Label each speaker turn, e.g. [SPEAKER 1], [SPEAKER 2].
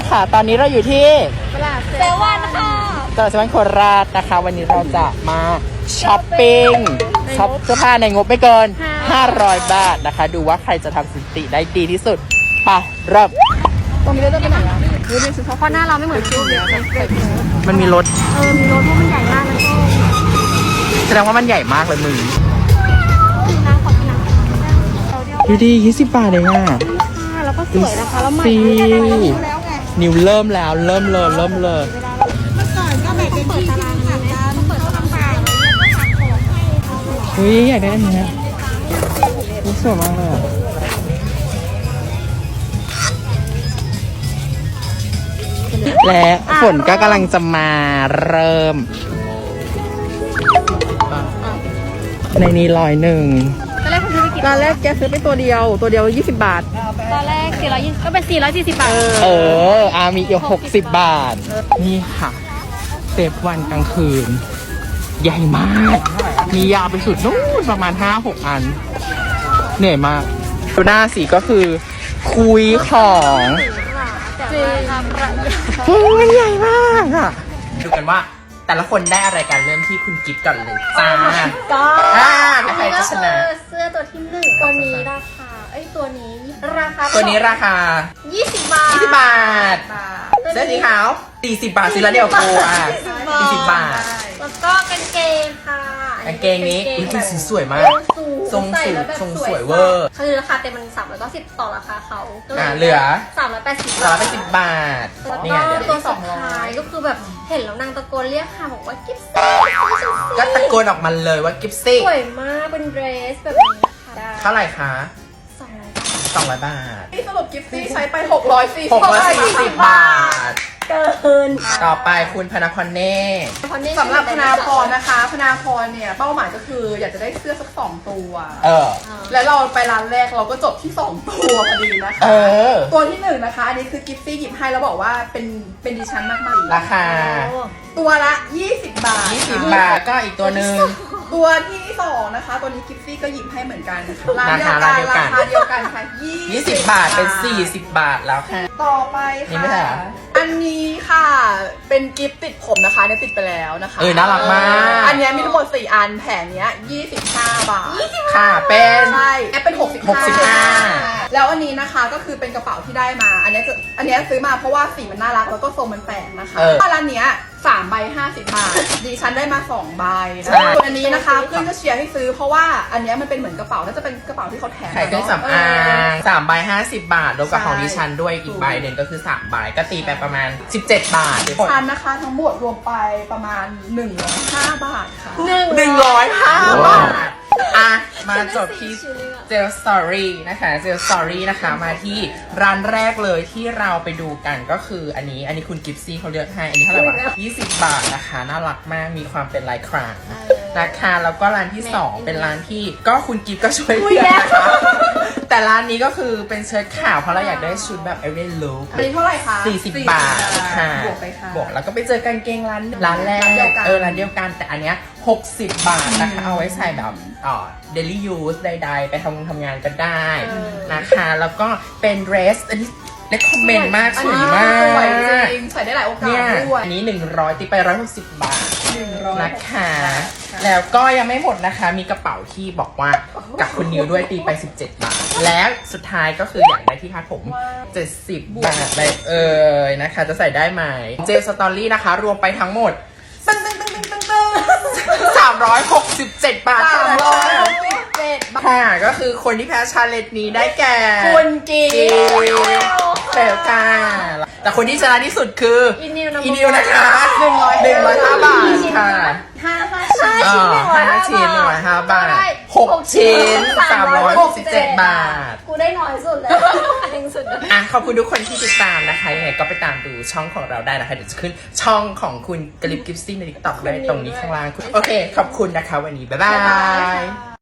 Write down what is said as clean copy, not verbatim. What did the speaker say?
[SPEAKER 1] ค่ะตอนนี้เราอยู่ที่
[SPEAKER 2] เซเว่นค่ะ
[SPEAKER 1] ตลาดเซเว่นโคราชนะคะวันนี้เราจะมาช้อปปิ้งช็อปเสื้อผ้าในงบไม่เกิน500 บาทนะคะดูว่าใครจะทำสถิติได้ดีที่สุดไปเริ่ม
[SPEAKER 2] ตรงนี้เราจะไปไหนอ่ะดูดิเพราะหน้าเราไม่เหมือนคิวเลย
[SPEAKER 1] มันมีรถ
[SPEAKER 2] มีรถเพราะมันใหญ่มากแล้วก็
[SPEAKER 1] แสดงว่ามันใหญ่มากเลยมึง
[SPEAKER 2] น้ำขอที่น้ำ
[SPEAKER 1] ดูดิ20 บาทเองอ่ะ
[SPEAKER 2] แล้วก็สวยนะคะแล้วใหม่
[SPEAKER 1] ฟรี
[SPEAKER 2] แล้วไง
[SPEAKER 1] นิวเริ่มแล้วเริ่มเลย
[SPEAKER 2] เมื่อก่อนก็แบบเป็นที่ตารางนี้นะต้องเปิดตารางแล้วก็หักของให้
[SPEAKER 1] อุ้ยอยากได้อันนี้นะนี่สวยมากเลยอะและฝนก็กำลังจะมาเริ่ม ในนี้101
[SPEAKER 2] ตอนแรกคุณซื้อไปกี่
[SPEAKER 3] ร้านแรกแกซื้อไปตัวเดียว20 บาท
[SPEAKER 2] ตอนแรก420ก็เป็น440 บาท
[SPEAKER 1] มีอีก60 บาท นี่ค่ะเซฟวันกลางคืน ใหญ่มาก มียาวไปสุดนู่นประมาณ 5-6 อัน เหนื่อยมากดูหน้าสีก็คือคุยของโอ้ยใหญ่มากอ่ะ ดูกันว่าแต่ละคนได้อะไรกันเริ่มที่คุณกิฟต์ก่อนเลยจ้า
[SPEAKER 2] ก็
[SPEAKER 1] ใครจะชนะ
[SPEAKER 2] เสื้อตัวที่1ตัวนี้ราคาตัวนี้ราคา
[SPEAKER 1] ตัวนี้ราคา
[SPEAKER 2] 20 บาท
[SPEAKER 1] 20 บาท เสื้อสีขาว40 บาทซื้อแล้วเดียวกูอ่ะ40 บาท
[SPEAKER 2] แล้วก็กางเกงค่ะ
[SPEAKER 1] กางเกงนี้อุ๊ยเป็นสีสวยมาก ทรง
[SPEAKER 2] ใส่
[SPEAKER 1] สู
[SPEAKER 2] แล้ว
[SPEAKER 1] ง
[SPEAKER 2] แบบ
[SPEAKER 1] ทรง
[SPEAKER 2] ส
[SPEAKER 1] ส
[SPEAKER 2] ว
[SPEAKER 1] วย ยเวอร์
[SPEAKER 2] คือราคาเต็มมัน390ต่อราคาเขาก็ย
[SPEAKER 1] เหลือ
[SPEAKER 2] 380
[SPEAKER 1] สารไป10 บาท
[SPEAKER 2] แล้ว
[SPEAKER 1] นี่
[SPEAKER 2] ก็
[SPEAKER 1] ไงเดี๋ยว
[SPEAKER 2] ตัวสุดท้ายก็คือแบบเห็นแล้วนางตะโกนเรียกค่ะบอกว่ากิ๊บซี่
[SPEAKER 1] ก็ตะโกนออกมาเลยว่ากิฟซี่
[SPEAKER 2] สวยมากเป็นเดรสแบบนี้ค่ะ
[SPEAKER 1] เท่าไหร่คะ
[SPEAKER 2] 200 บาท
[SPEAKER 1] 200 บาท
[SPEAKER 3] ที่สรุปกิฟซี่ใช้ไป640
[SPEAKER 1] 640 บาท
[SPEAKER 2] เกิน
[SPEAKER 1] ต่อไปคุณพนักคอนเน่
[SPEAKER 3] สำหรับพนาพรนะคะพนาพรเนี่ยเป้าหมายก็คืออยากจะได้เสื้อสัก2 ตัว แล้วเราไปร้านแรกเราก็จบที่2 ตัวพอดีนะคะ ตัวที่1นะคะอันนี้คือกิฟซี่หยิบให้แล้วบอกว่าเป็นดิฉันมากๆ
[SPEAKER 1] ราคา
[SPEAKER 3] ตัวละ20 บาท
[SPEAKER 1] 20 บาทก็อีกตัวหนึ่ง
[SPEAKER 3] ตัวที่2นะคะตัวนี้กิฟซี่ก็หยิบให้เหมือนกันนะคะ
[SPEAKER 1] ราคาเดียวกัน
[SPEAKER 3] ราคาเดียวกันค่ะ
[SPEAKER 1] 20 บาทเป็น 40 บาทแล้วค่ะ
[SPEAKER 3] ต่อไป
[SPEAKER 1] นี่ไม่ใช่
[SPEAKER 3] ค่ะ
[SPEAKER 1] เหรอ
[SPEAKER 3] อันนี้ค่ะเป็นกิฟต์ติดผมนะคะเนี่ยติดไปแล้วนะคะ
[SPEAKER 1] น่ารักมาก
[SPEAKER 3] อันเนี้ยมีทั้งหมด4 อันแผงเนี้ย25 บาท
[SPEAKER 1] ค่ะเป็น
[SPEAKER 3] ใช่แอปเป็น
[SPEAKER 1] 65
[SPEAKER 3] แล้วอันนี้นะคะก็คือเป็นกระเป๋าที่ได้มา อันเนี้ยซื้อมาเพราะว่าสีมันน่ารักแล้วก็ทรงมันแปลกนะคะร้านเนี้ย3 ใบ 50 บาทดิฉันได้มา2 ใบนะส่วนอันนี้นะคะเพื่อนก็เชียร์ให้ซื้อเพราะว่าอันเนี้ยมันเป็นเหมือนกระเป๋าน่าจะเป็นกระเป๋าที่เขาแถม
[SPEAKER 1] ขายเครื่องสำอาง3 ใบ 50 บาทรวมกับของดิฉันด้วยอีกใบหนึ่งก็คือ3 ใบก็ตีไปประมาณ17 บาท
[SPEAKER 3] ชันนะคะทั้งหมดรวมไปประมาณ105 บาทค่ะ
[SPEAKER 1] 105 บาทมาจบที่เจลสตอรี่นะคะเจลสตอรี่นะคะมาที่ร้านแรกเลยที่เราไปดูกันก็คืออันนี้คุณกิฟซี่เขาเลือกให้อันนี้เท่าไหร่วะ20 บาทนะคะน่ารักมากมีความเป็นลายครางนะคะแล้วก็ร้านที่2เป็นร้านที่ก็คุณกิฟก็ช่วยเลือกนะคะแต่ร้านนี้ก็คือเป็นเชิ้ตขาวเพราะเราอยากได้ชุดแบบ every look
[SPEAKER 3] อันนี้เท่าไหร่คะ
[SPEAKER 1] 40 บาทค่ะ
[SPEAKER 3] บวกไปค่ะ
[SPEAKER 1] บวกแล้วก็ไปเจอกางเกงร้านแรก
[SPEAKER 3] ร้านเดียวกัน
[SPEAKER 1] ร้านเดียวกันแต่อันเนี้ย60 บาทนะคะเอาไว้ใส่แบบdaily use ใดๆ ไปทำงานก็ได้นะคะแล้วก็เป็น dress อันนี้recommend มากสวยมาก
[SPEAKER 3] สวยจริงใส่ได้หลายโอกาส
[SPEAKER 1] เนี่ย
[SPEAKER 3] ด้วย
[SPEAKER 1] อันนี้100ตีไป160 บาท
[SPEAKER 3] 100
[SPEAKER 1] นะคะแล้วก็ยังไม่หมดนะคะมีกระเป๋าที่บอกว่ากับคุณนิวด้วยตีไป17 บาทแล้วสุดท้ายก็คืออยากได้ที่คาดผม70 บาทเลยนะคะจะใส่ได้ไหมเจลสตอรี่นะคะรวมไปทั้งหมด367 บาท
[SPEAKER 3] 367
[SPEAKER 1] ค่ะก็คือคนที่แพ้ชาเลนจ์นี้ได้แก่
[SPEAKER 3] คุณกิฟ
[SPEAKER 1] เฟลค่ะแต่คนที่ชนะที่สุดคือ
[SPEAKER 2] อีนิว
[SPEAKER 1] นะคะ105 บาทค่ะ
[SPEAKER 2] 5 ชิ้น
[SPEAKER 1] 5 ชิ้น105 บาท6 ชิ้น367 บาท
[SPEAKER 2] กูได้น้อยสุดเลยจริงสุด
[SPEAKER 1] ขอบคุณทุกคนที่ติดตามนะคะยังไงก็ไปตามดูช่องของเราได้นะคะเดี๋ยวจะขึ้นช่องของคุณกลิฟกิฟซี่ใน TikTok ได้ตรงนี้ข้างล่างโอเคขอบคุณนะคะวันนี้บ๊ายบาย